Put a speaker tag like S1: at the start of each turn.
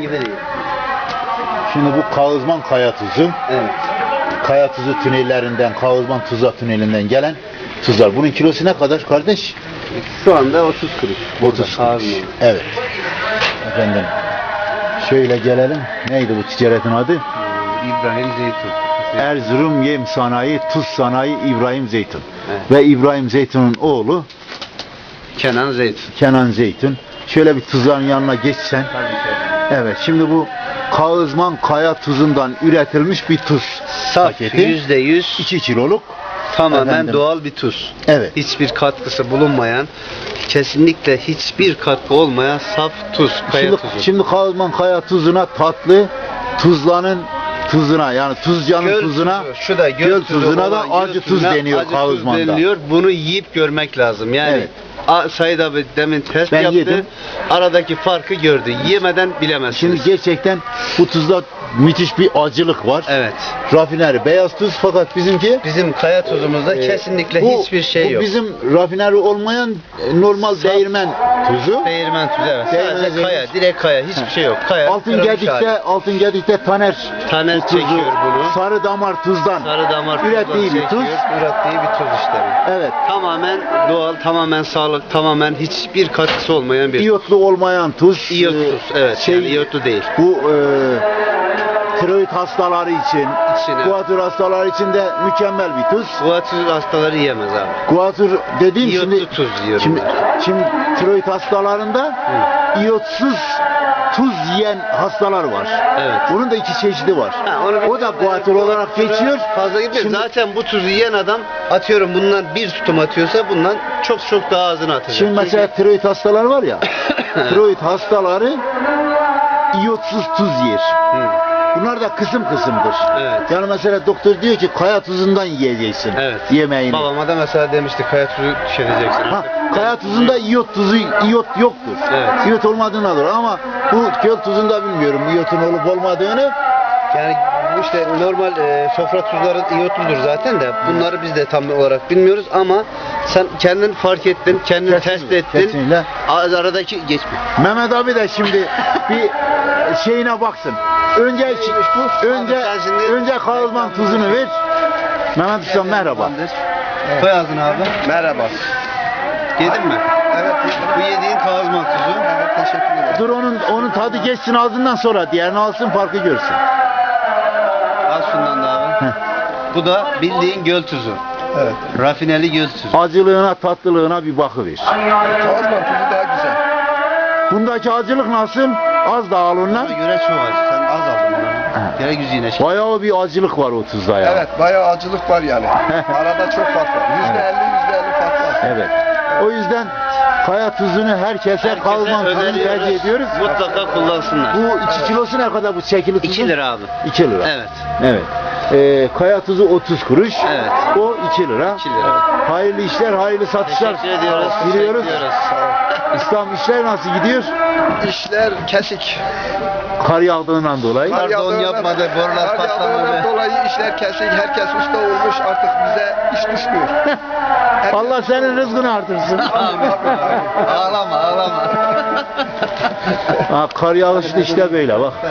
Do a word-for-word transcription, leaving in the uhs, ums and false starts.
S1: vereyim.
S2: Şimdi bu Kağızman kaya tuzu.
S1: Evet.
S2: Kaya tuzu tünellerinden, Kağızman Tuzla tünelinden gelen tuzlar. Bunun kilosu ne kadar kardeş?
S1: Şu anda otuz kuruş.
S2: otuz kuruş. Evet. Efendim. Şöyle gelelim. Neydi bu ticaretin adı?
S1: İbrahim Zeytun.
S2: Erzurum Yem Sanayi, Tuz Sanayi İbrahim Zeytun.
S1: Evet.
S2: Ve İbrahim Zeytun'un oğlu
S1: Kenan Zeytun.
S2: Kenan Zeytun. Şöyle bir tuzların yanına geçsen. Evet. Şimdi bu Kağızman kaya tuzundan üretilmiş bir tuz
S1: Saf
S2: paketi.
S1: yüzde yüz
S2: iki kiloluk.
S1: tamamen
S2: Efendim.
S1: doğal bir tuz.
S2: Evet.
S1: Hiçbir katkısı bulunmayan, kesinlikle hiçbir katkı olmayan saf tuz, kaya
S2: Şimdi,
S1: tuzu.
S2: şimdi Kağızman kaya tuzuna tatlı, Tuzla'nın tuzuna yani Tuzca'nın
S1: Göl
S2: tuzuna,
S1: tuzu, şu da göl,
S2: göl
S1: tuzu
S2: tuzuna da
S1: olan
S2: acı
S1: göl
S2: tuz
S1: tuzuna
S2: deniyor
S1: acı tuz
S2: Kağızman'da.
S1: deniliyor. Bunu yiyip görmek lazım. Yani
S2: Evet.
S1: A- Said abi demin test
S2: Ben
S1: yaptı.
S2: yedim.
S1: Aradaki farkı gördü. Yemeden bilemezsiniz.
S2: Şimdi gerçekten bu tuzda müthiş bir acılık var.
S1: Evet.
S2: Rafineri beyaz tuz fakat bizimki
S1: Bizim kaya tuzumuzda
S2: e,
S1: kesinlikle
S2: bu-
S1: hiçbir şey
S2: bu
S1: yok.
S2: bizim rafineri olmayan e, normal
S1: Saf-
S2: değirmen tuzu.
S1: Değirmen tuzu, evet.
S2: Değirmen
S1: Sadece
S2: tuzu.
S1: kaya, direkt kaya. Hiçbir şey yok. Kaya.
S2: Altın
S1: kırılmış
S2: Gedik'te,
S1: hali.
S2: Altın Gedik'te Taner
S1: Taner
S2: bu tuzu,
S1: çekiyor bunu.
S2: sarı damar tuzdan
S1: Sarı damar
S2: ürettiği bir
S1: tuzdan
S2: tuz.
S1: çekiyor, ürettiği bir tuz işte bu.
S2: Evet.
S1: Tamamen doğal, tamamen sağlık, tamamen hiçbir katkısı olmayan bir
S2: İyotlu olmayan tuz.
S1: İyot
S2: e,
S1: tuz. Evet.
S2: Şey,
S1: yani iyotlu değil.
S2: Bu e, tiroid hastaları için,
S1: İçine.
S2: kuatür hastaları için de mükemmel bir tuz.
S1: Kuatür hastaları yiyemez abi.
S2: Kuatür dediğim
S1: İyotlu
S2: şimdi
S1: tuz diyorum
S2: Şimdi,
S1: ben.
S2: şimdi tiroid hastalarında iyotsuz tuz yiyen hastalar var.
S1: Evet.
S2: Bunun da iki çeşidi var.
S1: Ha, onu bir-
S2: O da kuatür olarak geçiyor.
S1: Fazla gitmiyor.
S2: Şimdi-
S1: Zaten bu tuzu yiyen adam atıyorum bundan bir tutum atıyorsa bundan çok çok daha azını atacak.
S2: Şimdi mesela tiroid hastaları var ya, tiroid hastaları iyotsuz tuz yer.
S1: Hı.
S2: Bunlar da kısım kısımdır.
S1: Evet.
S2: Yani mesela doktor diyor ki kaya tuzundan yiyeceksin
S1: Evet.
S2: yemeğini.
S1: Babama da mesela demişti kaya tuzu tüketeceksin.
S2: Ha, kaya tuzunda iyot tuzu, iyot yoktur.
S1: Evet.
S2: İyot olmadığını alır ama bu göl tuzunda bilmiyorum iyotun olup olmadığını.
S1: Yani bu işte normal e, sofra tuzları iyotludur zaten de bunları biz de tam olarak bilmiyoruz ama sen kendin fark ettin, kendin
S2: Kesinlikle,
S1: test ettin.
S2: kesinlikle.
S1: A- Aradaki geçme.
S2: Mehmet abi de şimdi bir şeyine baksın. Önce önce
S1: Abi sen şimdi-
S2: önce Kağızman tuzunu ver. Mehmet Usta merhaba.
S1: Koy ağzına abi.
S3: Merhaba.
S1: Yedin mi?
S3: Evet.
S1: Bu yediğin Kağızman tuzu.
S3: Evet, teşekkür ederim.
S2: Dur onun onun tadı geçsin ağzından sonra diğerini alsın farkı görsün.
S1: Al şundan da abi.
S2: Heh.
S1: Bu da bildiğin göl tuzu.
S3: Evet.
S1: Rafineli göl tuzu.
S2: Acılığına tatlılığına bir bakıver.
S3: Kağızman tuzu daha güzel.
S2: Bundaki acılık nasıl? Az da al ondan.
S1: Buna göre çok az. Sen az aldın bunu. Gene yüzüne şey.
S2: Bayağı bir acılık var o tuzda ya.
S3: Evet, bayağı acılık var yani. Arada çok fark var. Yüzde elli, yüzde elli fark var.
S2: Evet. O yüzden kaya tuzunu herkese,
S1: Herkese
S2: Kağızman tuzunu
S1: öneriyoruz.
S2: tercih ediyoruz.
S1: Mutlaka kullansınlar.
S2: Bu iki kilosu ne kadar bu çekili tuzun?
S1: iki lira abi.
S2: iki lira.
S1: Evet.
S2: Evet. Ee, kaya tuzu otuz kuruş.
S1: Evet.
S2: O iki lira.
S1: iki lira.
S2: Hayırlı işler, hayırlı satışlar
S1: Teşekkür ediyoruz.
S2: diliyoruz.
S1: Teşekkür ediyoruz.
S2: İslam işler nasıl gidiyor?
S3: İşler kesik.
S2: Kar yağdığından dolayı.
S1: Kar don
S3: yağdığından-
S1: yapmadı, borular
S3: kar
S1: patlamadı.
S3: yağdığından dolayı işler kesik. Herkes usta olmuş. Artık bize iş düşmüyor. Herkes-
S2: Allah senin rızkını artırsın.
S1: Ağlama, ağlama.
S2: Ha, kar yağışlı işte böyle bak.